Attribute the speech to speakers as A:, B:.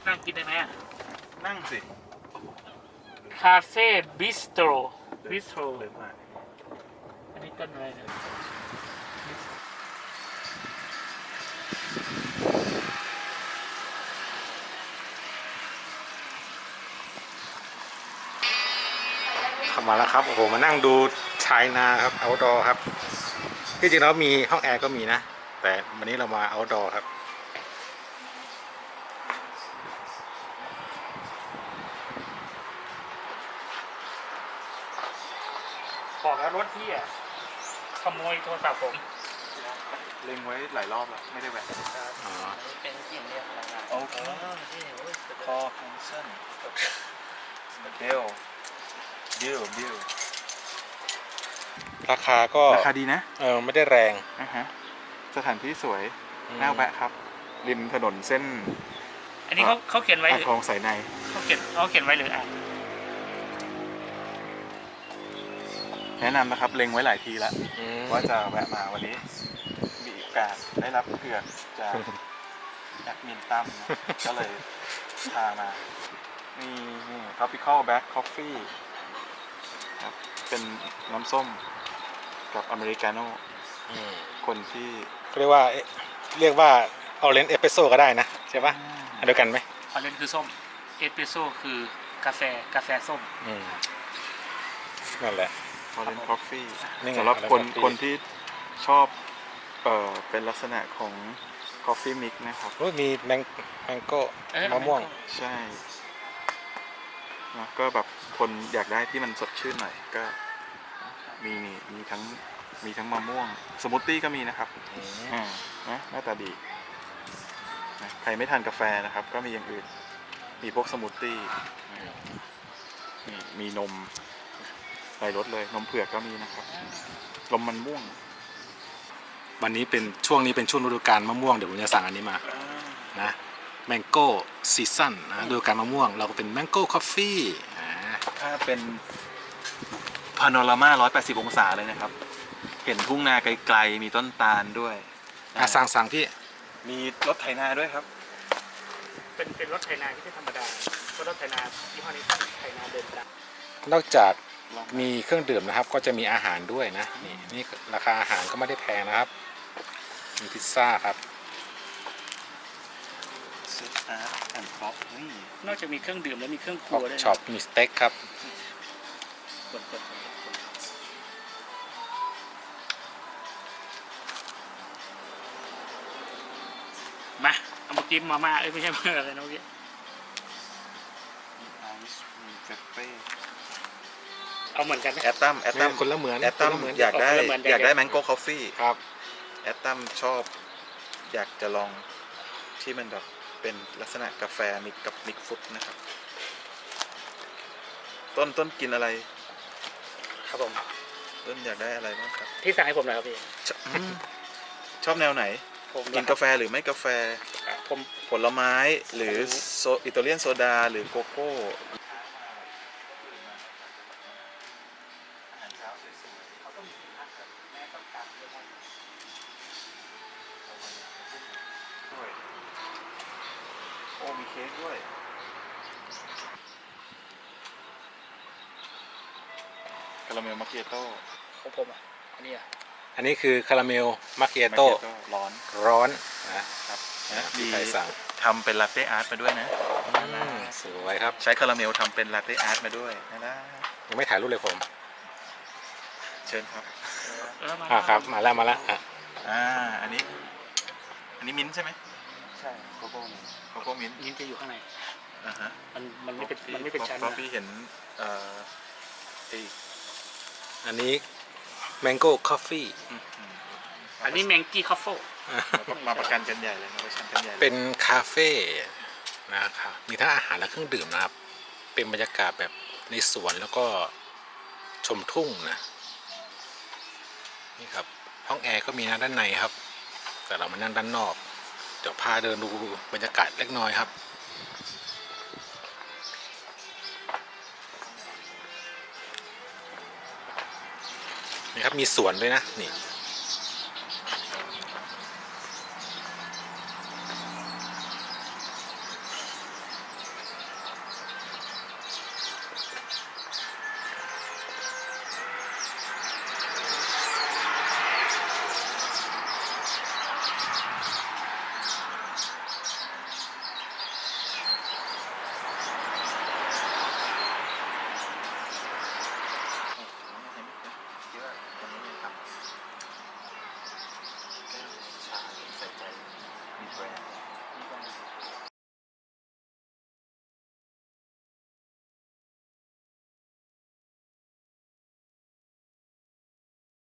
A: นั่งกินได้ไหมอ่ะ
B: นั่งสิ
A: คาเฟ่บิสโตร
B: เดินมา
A: อันนี้ต้นอะไรเนี่ย
C: เข้ามาแล้วครับโอ้โหมานั่งดูชายนาครับเอาท์ดอร์ครับที่จริงแล้วมีห้องแอร์ก็มีนะแต่วันนี้เรามาเอาท์ดอร์ครับ
A: บอกแล้วรถพี่อ่ะขโมยโทรศัพท์ผม
B: เล็งไว้หลายรอบแล้วไม่ได้แหวะ
C: อ๋อ
A: เป็นเสียงเรียกพนักงาน
B: โอเคคอแคนเซิลเบล
C: ราคาก็
B: ราคาดีนะ
C: ไม่ได้แรง
B: สถานที่สวยน่าแวะครับ ริมถนนเส้น
A: อันนี้เขาเขียนไว้ห
B: อ่าง
A: รือ
B: ทองสายใน
A: เขาเขียนไว้หรืออ่าน
B: แนะนำนะครับเล็งไว้หลายทีแล้ว
C: ว่า
B: ว่าจะแวะมาวันนี้มีโอกาสได้รับเกือกจากแอดมินตั้มนะก็เลยพามานี่ Tropical Black Coffee ครับเป็นน้ำส้มกับอเมริกาโน่คนที่
C: เรียกว่าออเรนจ์เอสเปรสโซ่ก็ได้นะใช่ปะอันเดียวกันไหม
A: ออเรนจ์คือส้มเอสเปรสโซ่คือกาแฟส้ม
C: นั่นแหละ
B: Orange Coffee
C: นี่ไง
B: สำหรับ
C: Orange Coffee
B: คนที่ชอบเป็นลักษณะของ Coffee Mix นะครับ
C: โอ้ยมีแมงโก้มะม่วง
B: ใช่นะก็แบบคนอยากได้ที่มันสดชื่นหน่อยก็มีทั้งมะม่วงสมูทตี้ก็มีนะครับนะหน้าตาดีนะใครไม่ทานกาแฟนะครับ ก็มีอย่างอื่นมีพวกสมูทตี้นี่มีนมใส่รสเลยนมเผือกก็มีนะครับนมมันม่วง
C: วันนี้เป็นช่วงฤดูกาลมะม่วงเดี๋ยวผมจะสั่งอันนี้มานะแมงโก้ซีซั่นนะฤดูกาลมะม่วงเราก็เป็นแมงโก้คอฟฟี่
B: ถ้าเป็นพาโนรามา180 องศาเลยนะครับ เห็นทุ่งนาไกลๆมีต้นตาลด้วย
C: สั่งพี่
B: มีรถไถนาด้วยครับ
A: เป็นรถไถนาที่ไม่ธรรมดาเพราะรถไถนายี่ห้อนี้ต้องไถนาเดินตาม
C: นอกจากมีเครื่องดื่มนะครับก็จะมีอาหารด้วยนะนี่ราคาอาหารก็ไม่ได้แพงนะครับมีพิซซ่าครับ
A: นอกจากมีเครื่องดื่มแล้วมีเครื่องค
C: พ็
A: รั
C: อ
A: ว
C: ป
A: ด้วยนะ
C: ช็อปมีสเต็กครับ
A: มาเอามากินมาม่าไม่ใช่เมื่ออะไรนะเมื่อกี้ เอาเหมือนกันไหม
B: แอตตัม
C: คนละเหมือน
B: แอตตัม
C: คนละเหมือน
B: อยากได้
A: คนละเหมือน
B: อยากได้แมงโก้คอฟฟี่
C: ครับ
B: แอตตัมชอบอยากจะลองที่มันแบบเป็นลักษณะกาแฟมิกกับมิกฟุตนะครับ ต้นกินอะไร
A: ครับผม
B: ต้นอยากได้อะไรบ้างครับ
A: ที่สั่งให้ผมหน่อยครับพี่
B: ชอบแนวไหน
A: ผม
B: กินกาแฟหรือไม่กาแฟ
A: ผม
B: ผลไม้หรืออิตาเลียนโซดาหรือโกโก้โอ้มีเค้กด้วยคาราเมลมาเกียโต้
A: ของผมอ่ะอันนี้อ่ะ
C: อันนี้คือคาราเมลมาเกียโต้
B: ร้อน
C: ร้อนนะครับ
B: มี
C: ใครสั่ง
B: ทำเป็นลาเต้อาร์ตมาด้วยนะ
C: สวยครับ
B: ใช้คาราเมลทำเป็นลาเต้อาร์ตมาด้วยนะ
C: ยังไม่ถ่ายรูปเลยผม
B: เชิญครับ
C: ครับมาแล้วอ่ะ
B: อันนี้มิ้นท์ใช่ไหมใช่โกโก้มิ้นท์
A: นี่จะอยู่ข้างใน
B: ฮะ
A: มันไม่เป็นชั้น
B: เพราะพี่เห็นไอ้
C: อันนี้แมงโก้คอฟฟี่
A: อันนี้แมงกี้คอฟโฟ
B: มาประกันกันใหญ่เลยมาประชันกันใหญ่เลย
C: เป็นคาเฟ่นะครับมีทั้งอาหารและเครื่องดื่มนะครับเป็นบรรยากาศแบบในสวนแล้วก็ชมทุ่งนะนี่ครับห้องแอร์ก็มีนะด้านในครับ แต่เรามานั่งด้านนอกเดี๋ยวพาเดินดูบรรยากาศเล็กน้อยครับนี่ครับมีสวนด้วยนะนี่
D: brand.